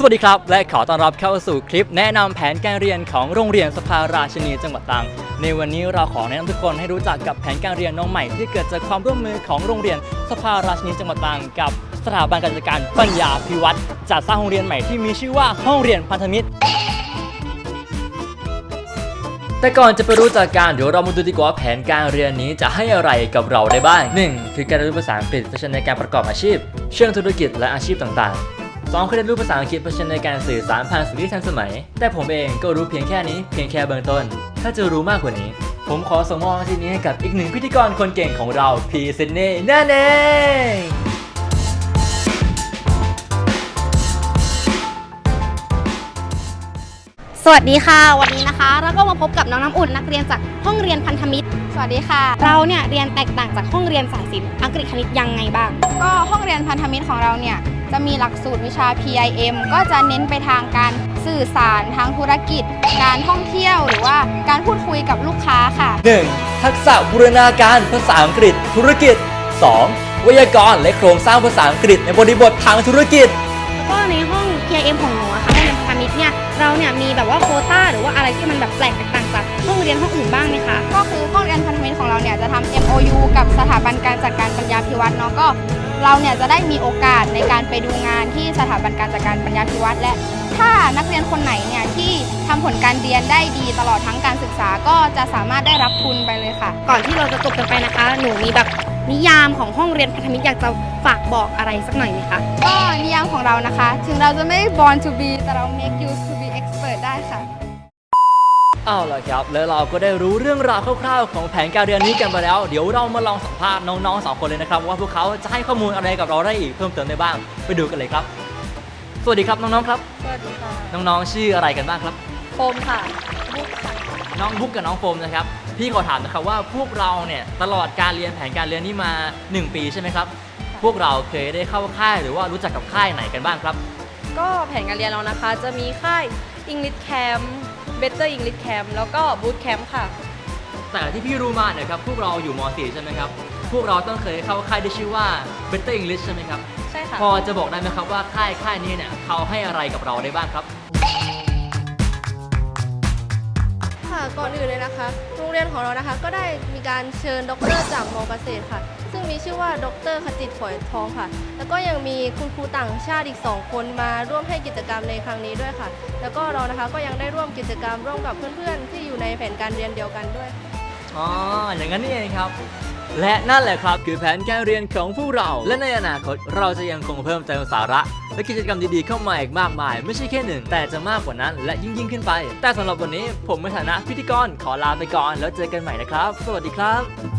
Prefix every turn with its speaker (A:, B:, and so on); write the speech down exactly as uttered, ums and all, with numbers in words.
A: สวัสดีครับและขอต้อนรับเข้าสู่คลิปแนะนำแผนการเรียนของโรงเรียนสภาราชินีจังหวัดตรังในวันนี้เราขอแนะนำทุกคนให้รู้จักกับแผนการเรียนน้องใหม่ที่เกิดจากความร่วมมือของโรงเรียนสภาราชินีจังหวัดตรังกับสถาบันการจัดการปัญญาภิวัฒน์จัดสร้างโรงเรียนใหม่ที่มีชื่อว่าห้องเรียนพันธมิตรแต่ก่อนจะไปรู้จักกันเดี๋ยวเรามาดูดีกว่าแผนการเรียนนี้จะให้อะไรกับเราได้บ้าง หนึ่ง คือการเรียนรู้ภาษาอังกฤษเพื่อใช้ในการประกอบอาชีพเชิงธุรกิจและอาชีพต่างๆ สอง คือเรียนรู้ภาษาอังกฤษเพื่อใช้ในการสื่อสารผ่านสื่อที่ทันสมัยแต่ผมเองก็รู้เพียงแค่นี้เพียงแค่เบื้องต้นถ้าจะรู้มากกว่านี้ผมขอส่งมอบที่นี้ให้กับอีกหนึ่งพิธีกรคนเก่งของเราพี่ซิดนีย์นั่นเอง
B: สวัสดีค่ะวันนี้นะคะเราก็มาพบกับน้องน้ำอุ่นนักเรียนจากห้องเรียนพันธมิตรสวัสดีค่ะเราเนี่ยเรียนแตกต่างจากห้องเรียนสายศิลป์อังกฤษคณิตยังไงบ้างก็ห้องเรียนพันธมิตรของเราเนี่ยจะมีหลักสูตรวิชา พี ไอ เอ็ม ก็จะเน้นไปทางการสื่อสารทางธุรกิจการท่องเที่ยวหรือว่าการพูดคุยกับลูกค้าค่ะ
A: หนึ่ง ทักษะบูรณาการภาษาอังกฤษธุรกิจ สอง ไวยากรณ์และโครงสร้างภาษาอังกฤษในบริบททางธุรกิจ
B: แล้วก็ในห้อง พี ไอ เอ็ม ของหนูอะค่ะห้องเรียนพันธมิตรเนี่ยเราเนี่ยมีแบบว่าโควต้าหรือว่าอะไรที่มันแบบแปลกแตกต่างจากห้องเรียนห้องอื่นบ้างไหมคะก็คือห้องเรียนพันธมิตรของเราเนี่ยจะทำ เอ็ม โอ ยู กับสถาบันการจัดการปัญญาภิวัฒน์เนาะก็เราเนี่ยจะได้มีโอกาสในการไปดูงานที่สถาบันการจัดการปัญญาภิวัฒน์และถ้านักเรียนคนไหนเนี่ยที่ทำผลการเรียนได้ดีตลอดทั้งการศึกษาก็จะสามารถได้รับทุนไปเลยค่ะก่อนที่เราจะจบกันไปนะคะหนูมีแบบนิยามของห้องเรียนพันธมิตรอยากจะฝากบอกอะไรสักหน่อยไหมคะก็นิยามของเรานะคะถึงเราจะไม่ born to be แต่เรา make you to be expert ได้ค่ะ
A: เอาล่ะครับแล้วเราก็ได้รู้เรื่องราวคร่าวๆของแผนการเรียนนี้กันไปแล้วเดี๋ยวเรามาลองสัมภาษณ์น้องๆสองคนเลยนะครับว่าพวกเขาจะให้ข้อมูลอะไรกับเราได้อีกเพิ่มเติมได้บ้างไปดูกันเลยครับสวัสดีครับน้องๆครับ
B: สวัสดีค่ะ
A: น้องๆชื่ออะไรกันบ้างครับ
B: โฟมค่ะบุ๊กค่ะ
A: น้องบุ๊กกับน้องโฟมนะครับพี่ขอถามนะครับว่าพวกเราเนี่ยตลอดการเรียนแผนการเรียนนี้มาหนึ่งปีใช่ไหมครับพวกเราเคยได้เข้าค่ายหรือว่ารู้จักกับค่ายไหนกันบ้างครับ
C: ก็แผนการเรียนเรานะคะจะมีค่าย English Camp Better English Camp แล้วก็ Boot Camp ค่ะ
A: แต่ที่พี่รู้มาเนี่ยครับพวกเราอยู่ม .สี่ ใช่ไหมครับพวกเราต้องเคยเข้าค่ายที่ชื่อว่า Better English ใช่ไหมครับ
C: ใช่ค่ะ
A: พอจะบอกได้ไหมครับว่าค่ายค่ายนี้เนี่ยเขาให้อะไรกับเราได้บ้างครับ
C: ค่ะก่อนอื่นเลยนะคะโรงเรียนของเรานะคะก็ได้มีการเชิญด็อกเตอร์จากมอเกษตรค่ะซึ่งมีชื่อว่าดร.ขจิตฝอยทองค่ะแล้วก็ยังมีคุณครูต่างชาติอีกสองคนมาร่วมให้กิจกรรมในครั้งนี้ด้วยค่ะแล้วก็เรานะคะก็ยังได้ร่วมกิจกรรมร่วมกับเพื่อนๆที่อยู่ในแผนการเรียนเดียวกันด้วย
A: อ๋ออย่างนั้นนี่เองครับและนั่นแหละครับคือแผนการเรียนของพวกเราและในอนาคตเราจะยังคงเพิ่มเติมสาระและกิจกรรมดีๆเข้ามาอีกมากมายไม่ใช่แค่หนึ่งแต่จะมากกว่านั้นและยิ่งยิ่งขึ้นไปแต่สำหรับวันนี้ผมในฐานะพิธีกรขอลาไปก่อนแล้วเจอกันใหม่นะครับสวัสดีครับ